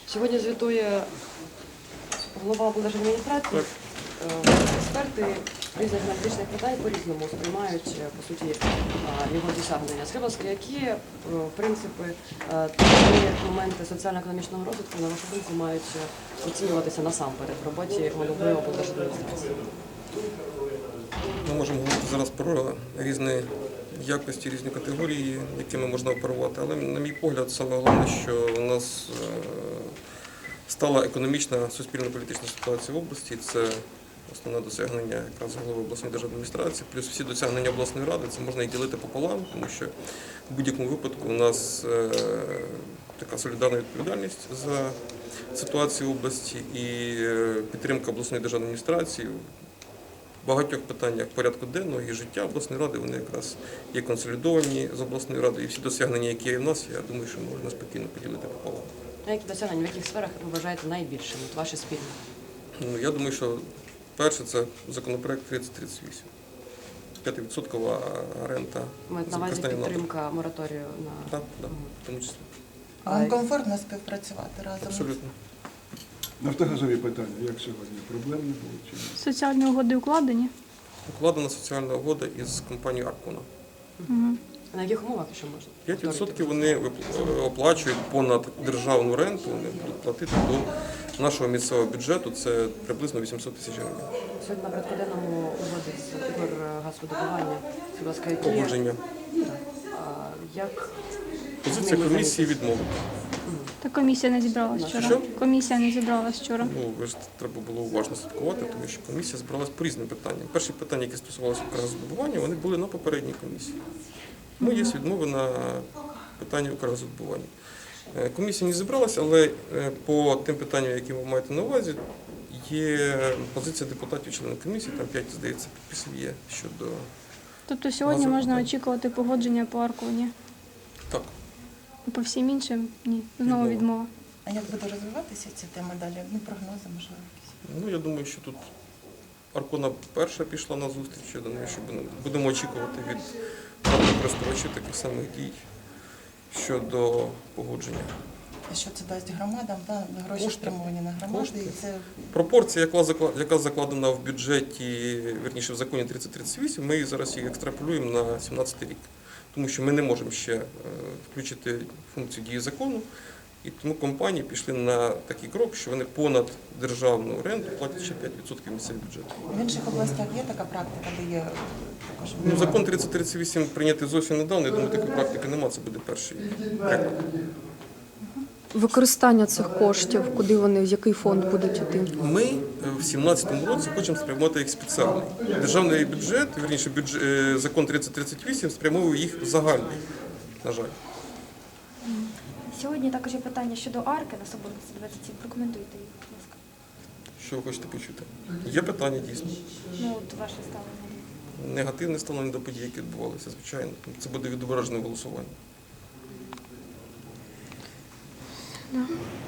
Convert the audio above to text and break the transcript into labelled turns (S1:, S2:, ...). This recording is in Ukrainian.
S1: Сьогодні звітує голова облдержадміністрації. Експерти різних аналітичних питань по-різному сприймають, по суті, його досягнення. Скажіть, які принципи ті моменти соціально-економічного розвитку, на вашу думку, мають оцінюватися насамперед в роботі голови облдержадміністрації?
S2: Ми можемо говорити зараз про різні якості, різні категорії, якими можна оперувати. Але, на мій погляд, саме головне, що у нас стала економічна, суспільно-політична ситуація в області. Це основне досягнення якраз голови обласної державної адміністрації. Плюс всі досягнення обласної ради, це можна і ділити пополам, тому що в будь-якому випадку у нас така солідарна відповідальність за ситуацію в області і підтримка обласної державної адміністрації. В багатьох питаннях порядку денного і життя обласної ради, вони якраз є консолідовані з обласною радою. І всі досягнення, які є в нас, я думаю, що можна спокійно поділити пополам.
S1: А які досягнення, в яких сферах ви вважаєте найбільшими, ваші спільні?
S2: Я думаю, що перше – це законопроект 3038. 5% рента.
S1: Мають на увазі підтримка мораторію на…
S2: Так, в тому числі.
S3: Вам комфортно співпрацювати разом?
S2: Абсолютно.
S4: Нафтогазові питання, як сьогодні? Проблем не було чи ні?
S5: Соціальні угоди укладені?
S2: Укладена соціальна угода із компанією «Аркона».
S1: На яких умовах ще можна?
S2: 5% вони оплачують понад державну ренту, вони будуть платити до нашого місцевого бюджету, це приблизно 800 тисяч гривень.
S1: Сьогодні на порядку денному угоди з Укргазвидобування. Будь ласка, які…
S2: Погодження.
S1: Як…
S2: Позиція комісії відмовити.
S5: Та комісія не зібралась вчора.
S2: Що?
S5: Комісія не зібралась вчора.
S2: Ви ж треба було уважно слідкувати, тому що комісія збиралась по різним питанням. Перші питання, які стосувалися Укргазвидобування, вони були на попередній комісії. Тому є відмови на питання Укргазвидобування. Комісія не зібралася, але по тим питанням, які ви маєте на увазі, є позиція депутатів, членів комісії, там 5, здається, підписів є щодо…
S5: Тобто сьогодні можна очікувати погодження по Арконі?
S2: Так.
S5: По всім іншим – ні. Знову відмова.
S3: А як буде розвиватися ця тема далі? Прогнози, можливо, якісь?
S2: Я думаю, що тут Аркона перша пішла на зустріч, я думаю, що будемо очікувати від користувачів таких самих дій щодо погодження.
S3: А що це дасть громадам? Гроші
S2: Кошти.
S3: спрямовані на громади.
S2: Кошти.
S3: І це...
S2: Пропорція, яка закладена в бюджеті, вірніше в законі 3038, ми зараз її екстраполюємо на 17 рік. Тому що ми не можемо ще включити функцію дії закону, і тому компанії пішли на такий крок, що вони понад державну ренту платять ще 5% місцевого бюджету.
S3: В інших областях є така практика, де є також…
S2: Закон 3038 прийнятий зовсім недавно, я думаю, такої практики немає, це буде перший приклад.
S6: Використання цих коштів, куди вони, в який фонд будуть йти?
S2: Ми в 2017 році хочемо спрямувати їх спеціальний. Державний бюджет, вірніше закон 3038 спрямовує їх в загальний, на жаль.
S7: Сьогодні також є питання щодо арки на Соборності 27. Прокоментуйте їх, будь ласка.
S2: Що ви хочете почути? Є питання, дійсно.
S7: От ваше ставлення.
S2: Негативне ставлення до подій, які відбувалися, звичайно. Це буде відображено в голосуванні.